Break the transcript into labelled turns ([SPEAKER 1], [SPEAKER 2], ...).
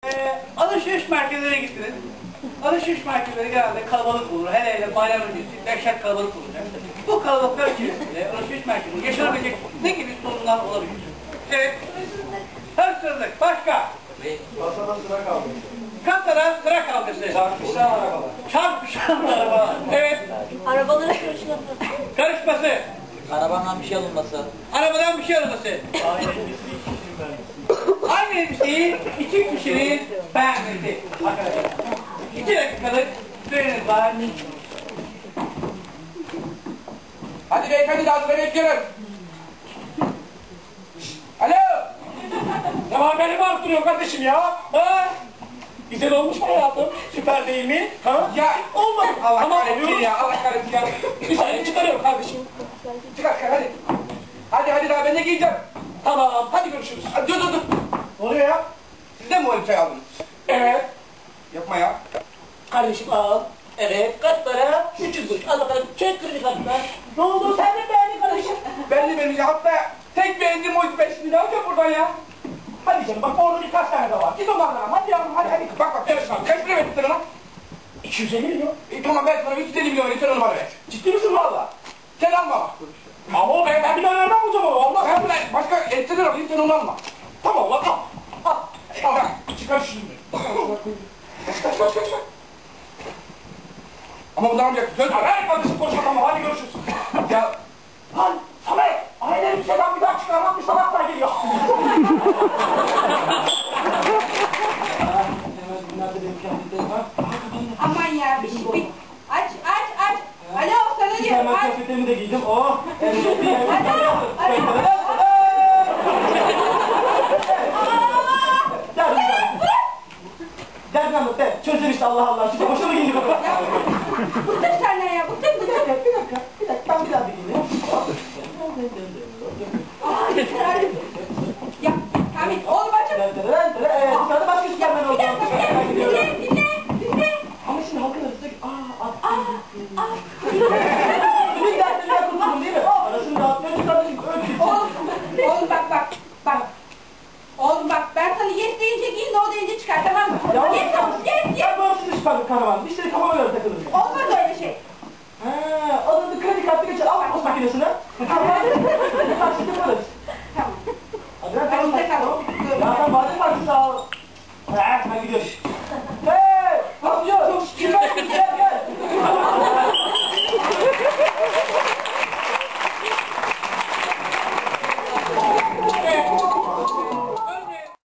[SPEAKER 1] Alışveriş merkezlerine gittiniz. Alışveriş merkezleri genelde kalabalık olur. Hele hele bayram öncesi dehşet kalabalık olacak. Bu kalabalıklar içerisinde alışveriş merkezinde yaşanabilecek ne gibi sorunlar olabilir? Evet. Hırsızlık. Başka?
[SPEAKER 2] Kasada sıra kaldı.
[SPEAKER 1] Kasada sıra kavgası.
[SPEAKER 2] Çarpışan arabalar.
[SPEAKER 1] Çarpışan araba. Evet.
[SPEAKER 3] Arabaların karışması.
[SPEAKER 1] Karışması.
[SPEAKER 4] Arabandan bir şey alınması.
[SPEAKER 1] Arabadan bir şey alınması. Aynı elbiseyi iki kişinin beğenmesi. Arkadaşlar. 2 dakikalık süreniz var.
[SPEAKER 2] Hadi beyefendi daha sıra bekliyoruz. Alo. Ne var beni mi arttırıyor kardeşim ya? Ha? Güzel olmuş mu hayatım? Süper değil mi? Ha? Ya olmadı. Allah kahretsin ya. Allah kahretsin ya. Bir saniye çıkarıyorum kardeşim. Çıkar hadi. Hadi daha ben de giyeceğim. Tamam hadi görüşürüz. Hadi, dur. Ne oluyor ya? Siz de mi o elbiseyi aldınız? Evet. Yapma ya.
[SPEAKER 4] Kardeşim al. Evet. Kaç para? 300 kuruş. Al bakalım. Çek kredi kartına. Ne oldu? Sen de beğendin kardeşim.
[SPEAKER 2] Ben de vereceğim. Hatta tek beğendiğim o 5 lira alacağım buradan ya. Hadi canım bak orada birkaç tane de var. Git onlardan hadi yavrum hadi. Bak karışma. Kaç lira verdin sen ona? 250 milyon. Tamam ben sana 350 milyon verirsen onu bana ver. Ciddi misin valla? Sen alma. Ama ben bir daha nereden alacağım onu? Allah ben buna başka etseler alayım sen onu alma. Tamam lan al. Al. Çıkar şunu. Kaç. Ama bundan almayacaksın. Söz ver. Ver kardeşim konuşma tamam hadi görüşürüz. Ya. Lan Samet. Aynı bir şeyden bir daha çıkarmak bir sabahlar geliyor.
[SPEAKER 3] Aman ya bir şey. Aç. Alo sana diyorum.
[SPEAKER 2] Hemen kıyafetlerimi de giydim. Oh.
[SPEAKER 3] Alo.
[SPEAKER 2] Gel lan de. Çözün işte Allah Allah. Şimdi hoşuma gidiyor.
[SPEAKER 3] Bıktım senden ya. Bıktım.
[SPEAKER 2] Bir dakika. Ben bir daha bir giyeyim.
[SPEAKER 3] Ya Hamit oğlum açın.
[SPEAKER 2] Dışarıda başka süpermen oldu.
[SPEAKER 3] Dinle.
[SPEAKER 2] Ama şimdi halkın arasında Senin dertlerinden kurtuldum değil mi? Arasını dağıtmıyorsun kardeşim.
[SPEAKER 3] Oğlum bak. Oğlum bak ben sana yes deyince giyin no deyince çıkar tamam mı? Yes.
[SPEAKER 2] Ben bağımsız çıkardım karavan. İşte kafama göre takılırım.
[SPEAKER 3] Olmaz öyle şey.
[SPEAKER 2] Alındı kredi kartı geçer. Al post makinesine. Taksiti yaparız.
[SPEAKER 3] Tamam.
[SPEAKER 2] Hadi ben tamam. Ya sen badem varsın sağ ol. Ben gidiyorum.